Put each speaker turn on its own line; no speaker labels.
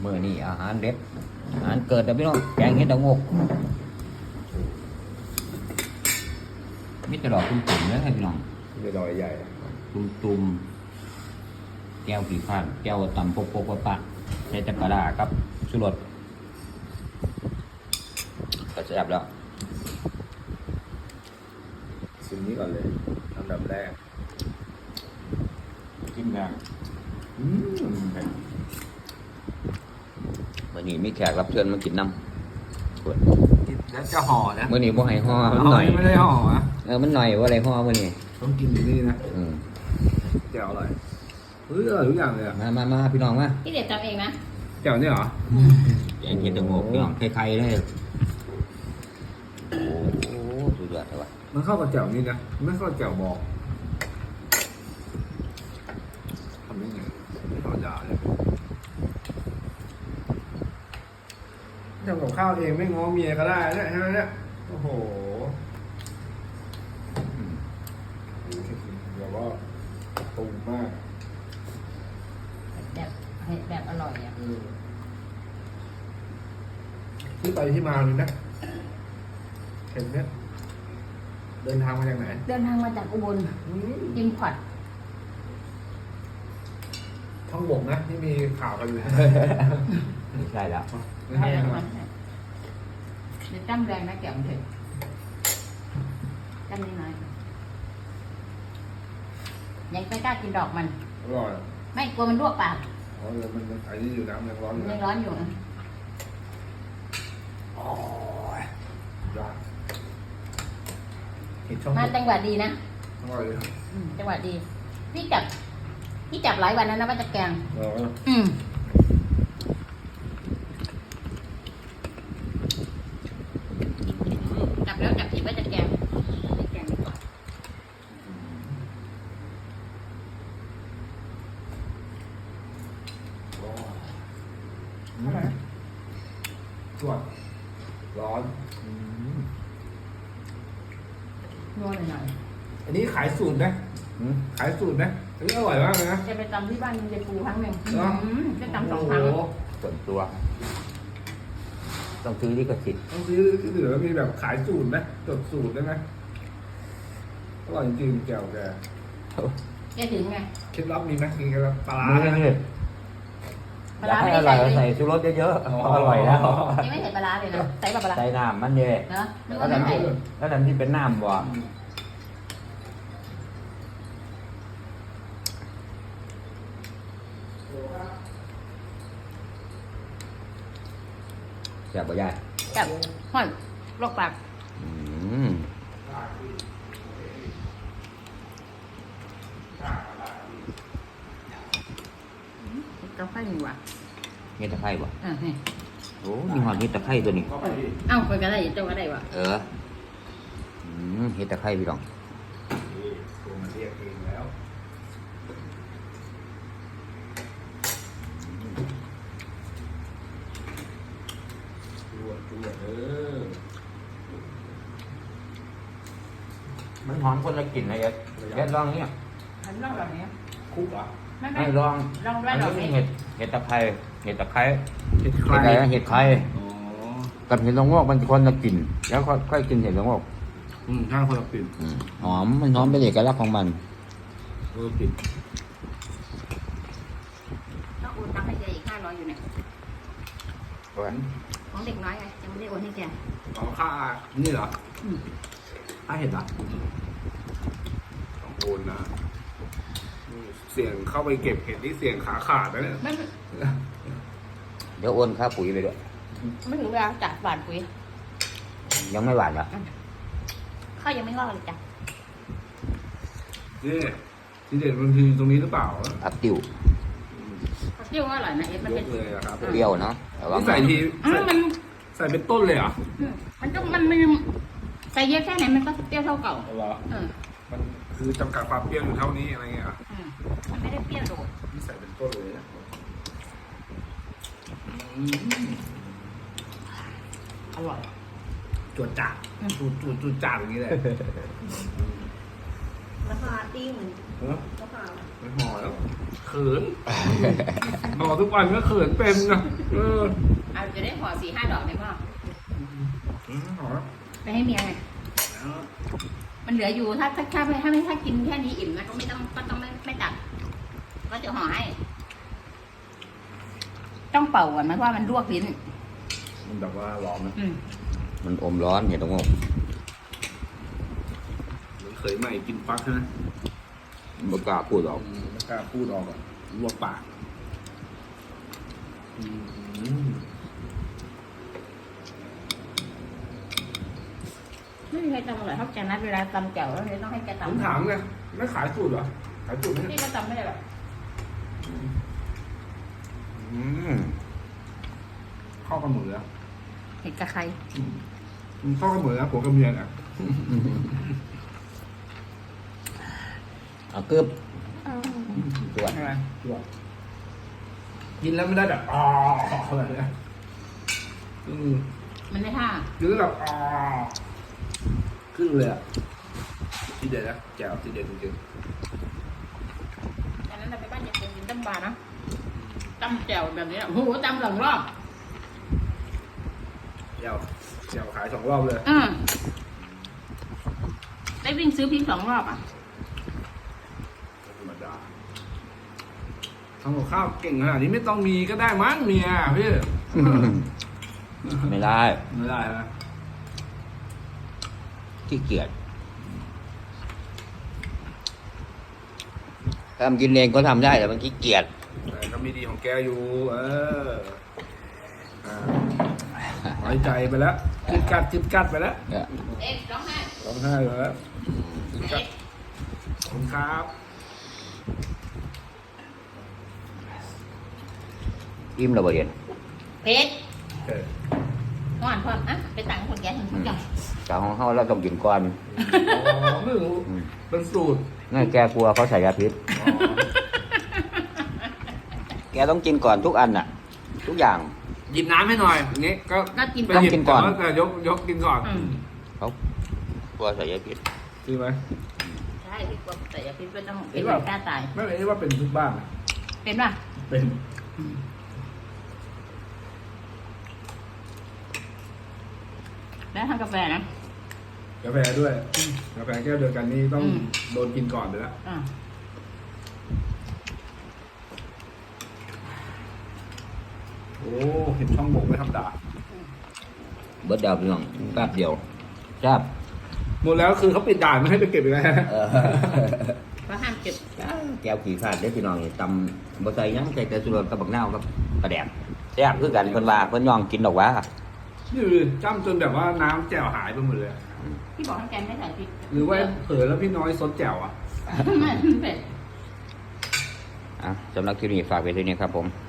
มื้อนี้อาหารเด็ดอาหารเกิดนะพี่น้องแกงเห็ดดอกงกมิตรดอกตุ่มๆเลยพี่น้อง
ไม่ดอยใหญ่
ตุ่มแก้วกี่ข้านแก้วตำปกปะใช้จักรดาครับสุรสก็แซ่บแล้ว
ชิมนี้ก่อนเลยอันดับแรก
จิ้มแรง
อืม
มื้อนี้มีแขกรับเชิญมากินน้ำ
กินแล้วจะห่อนะ
มื้อนี้บ่ให้ห่อมันหน่อย
ไม่ได้ห่ออะ
มันหน่อยว่าอะไรห่อมื้อนี้
ต้องกินอย่างนี้นะ
อืม
แจ่วอร่อยเฮ้ยอร่อยทุกอย่างเลยอ่ะ
มาพี่น้องมา
พี่เด็ดจำเองนะ
แจ่วเนี่ยเหรอ
แกงเห็ดดอกงกพี่น้องไข่ๆเลยโอ้โหสุดยอดเลยว่ะ
มันเข้ากับแจ่วนี่นะไม่เข้ากับแจ่วบองทำได้ไงไม่ธรรมดาเลยทำกับข้าวเองไม่ง้อเมียก็ได้เนี่ยใช่ไหมเนี่ยโอ้โหเดี๋ยวว่าตูมมาก
แบบอร่อยอ่ะ
ที่ไปที่มาเลยนะเห็นเนี่ยเดินทางมาจากไหน
เดินทางมาจากอุบลยิมพอร์ต
ท้องบกนะที่มีข่าวกันอยู่
ไม่ใช่แล้ว
ไม่ใช่ใช่ไหม
เดี๋ยวจ้ำแรงนะแก้วมันเถอะจ้ำนิดหน่อยยังไม่กล้ากินดอกมัน
อร่อย
ไม่กลัวมันลวกปาก
อ๋อเลยมันไอ้นี่อยู่น้ำยังร้อนอยู่
ยัง
นะ
ร้อนอยู่นะ
โอ้ยยอดเห็ดช่อง
มา
บก
จังหวะดีนะ
อร่อยเลย
จังหวะดี พี่จับหลายวันแล้วนะว่าจะแกง
เออ
จับแล้วจับผิดว่าจะแกงแกงดีกว่า
สวดร้อน
นัวหน่อย
อันนี้ขายสูตรนะขายสูตรนะอันนี้อร่อยมากเลยนะ
ๆจะไปตำที่บ้านยายปูครั้งหนึ่ง
เหรอ
จะตำสองครั้ง
โโห
ส่วนตัว ต้องซื้อลิขสิทธิ์
ต้องซื้อหรือว่ามีแบบขายสูตรไหมจดสูตรได้ไหมอร่อยจริงๆแจ่วแก
แกถึงไง
เคล็ดลับมีไหมมีเคล็ดลับปลาร้า
นี่
ไหม
นี่
ปลา
อยาก
ร้า
ให้
ไม่
อ
ได้
ร่อย
ใส่
ใส่
เลย
ชูรสเยอะ
อ๋อ
ๆอร่อยแล้ว
ยังไม่ใส่ปลาร้าเลยนะใส่ปลาร้า
ใส่น้ำมันเยอะ
เนาะนึก
แล้ว
ว่าไม่
น้ำ
ใส่
ที่แล้วน้ำที่เป็นน้ำบ่แซ่บบ่ยาย
แบบห่อนลวกปาก
อืม
กาแฟหนึ่งว่ะ
เห็ดตะไคร้บ่
นี่
โอ้มีหอมเห็ดตะไคร้ตัวนี้
เอ้าคนก็ได้เจ้าก็ได้ว่ะ
เห็ดตะไคร้พี่น้อง
ตัวมันเรียกเองแล้ว ตัวเออ
มันหอมคนละกลิ่นนะเอ็ดเอ็ดลองเนี่ย
อันลองแบบนี้
คุกเหรอ
ไม่
ให้ลอง
ลอง
อั
แว่
น
น
นี้
แบบ
เป็น
นี้
เห็ดตะไคร้เห็ดตะไคร้
เห็ดใค
เห็ดอะไรนะเห็ดไข่
อ๋อ
กับเห็ดละโงกมันคนละกลิ่นแล้วค่อยกินเห็ดละโงก
ข้างคนละกลิ่น
หอมมันหอมเป็นเอกลักษณ์ของมัน
คนละกลิ่น
ต้องโอนตังค์ให้แกอีก500อยู่เนี่ยของเด็กน้อยไงยังไม่ได้โอนให้แก
อ๋อค่านี่เหรอ
อืม
ค่าเห็ดเหรอต้องโอนนะเสี่ยงเข้าไปเก็บเห็ดนี่เสี่ยงขาขาดนะเนี่ย
ไม่
เดี๋ยวโอนค่าปุ๋ยไปด้วย
ไม่ถึงเวลาจัดหวานปุ๋ย
ยังไม่หวานเหรอ
ข้าวยังไม่งอกเลยจ้ะ
นี่ที่เด็ดมันคือตรงนี้หรือเปล่า
ผักติ้ว
เปรี้ยวอร่อยนะเอ็ดมัน
ย
เป็น
กเลยอะครับ
เปรี้ยวเนาะแต่ว่า
นี่ใส่ที
มัน
ใส่เป็นต้นเลยเหรอ
มันต้องมันใส่เยอะแค่ไหนมันก็เปรี้ยวเท่าเก่า
เหรอ มันคือจำกัดความเปรี้ยวอยู่เท่านี้อะไรเงี้ยเหรอ
มันไม่ได้เปรี้ยวโดด
นี่ใส่เป็นต้นเลยนะ
อร่อย
จวดจ่าดจูดจ่าดอย่างนี้เลย
ม
ราคาติ้ง
เออ
ราคา
ไม่ห่อแล้วเขินห่อทุกวันก็เขินเป็นนะ
เอาจะได้ห่อ4-5 ดอกได้ป่ะ
ห่อแล้ว
ไปให้เมียไงมันเหลืออยู่ถ้ากินแค่นี้อิ่มนะก็ต้องไม่ตัดก็จะห่อให้ ต้องเป่าก่อนไหมเพราะว่ามันลวกลิ้น
มันแบบว่าร้อนนะ
มันอมร้อนอย่าต้องงง
เหมือนเคยใหม่กินฟักใช่ไหม
บ่กล้าพูดหรอก
ไม่กล้าพูดออกอ่ะลวกปากอืม
ไม่มีใครตำอร่อยเท่าแกนัดเวลาตำแจ่วแล้วเลยต้องให้แก
ผม
ตำ
ถามไงไม่ขายสูตรเหรอขายสูตรไหม
นี่ก็ตำไม่ได้หรอก
ข้าวกับหมูแล้ว
เห็ดกับใคร
ข้าวกับหมูแล้วผัวกับเมียน่ะ
เอากึบตรวจ
อะไรกินแล้วไม่ได้แบบอ๋ออะไรเนี่ย
มันไม่ท่า
กินแล้วแบบอ๋อขึ้นเลยอ่ะที่เด็ดนะแจ่วที่เด็ดจริง
ตอนนั้นเราไปบ้านยายเจนกินตั้มปลานะตั้มแจ่วแบบนี้โอ้โหตั้ม2 รอบ
แจ่วขาย2 รอบเลย
ได้วิ่งซื้อพริก2 รอบอ่ะ
ธรรมดาทำกับข้าวเก่งขนาดนี้ไม่ต้องมีก็ได้มั้งเมียพี่
ไม่ได้
ไม่ได้นะ
ขี้เกียจทำกินเองก็ทำได้แต่มันขี้เกียจ
แต่ก็มีดีของแกอยู่ ไว้ใจไปแล้วจิตกัดไปแล้ว
เนี่ย
เอ๊ะร้องไห้
ร้องไห้ไปแล้วจิตกั
เอ๊ะ
ดขอบคุณครับ
อิ่มแล้วบ่เรียน
เพชร
เออ
ห่อนพร้อมอ่ะไปตังคนแก่ถึงทุกอย่าง
จากของเขาเราต้องกินก่อน
อ๋อไม่รู้เป็นสูตร
ง่ายแกกลัวเขาใส่ยาพิษ
อ๋อ
แกต้องกินก่อนทุกอันน่ะ ทุกอย่าง
หยิบน้ำให้หน่อยอย่างงี้ก็
กิน
ไป
ก่อน
หยิบ
กินก่อน
แต่ยกกินก่อน
เขากลัวใส่ยาพิษ
จริงไหม
ใช่พี่กลัวแต่อย่าพิษไม่ต้อง
เห็
เป็น
น
แบ
ป่ะ
บกล้าตาย
ไม่เลยว่าเป็นทุกบ้านนะ
เป็นป่ะ
เป็น
แล้วทำกาแฟนะ
กาแฟด้วยกาแฟแก้วเดียวกันนี่ต้องโดนกินก่อนไปแล้ว
อ่า
โอ้เห็นช่องบกไม่ธรรมดา
เบิดดาวพี่น้องแป๊บเดียวทราบ
หมดแล้วคือเขาปิดด่านไม่ให้ไปเก็บอีกแล้ว
เพราะห้ามเก็บ
แก้วขี่ขาดได้อพี่น้องนี่ตำบ่ใส่หยังใส่แต่สุรสกับบักนาวกับกระแดกแซ่บคือกันเพิ่นว่าเพิ่นย่องกินดอกว่า
นี่ดูดิจ้ำจนแบบว่าน้ำแจ่วหายไปหมดเลย
พี่บอกให้แกไม่ใส่พริก
หรือว่าเผลอแล้วพี่น้อยซดแจ่วอ่ะ
ไม่เผ็ด
อ่ะสำหรับคลิปนี้ฝากไว้ด้วยนี้ครับผม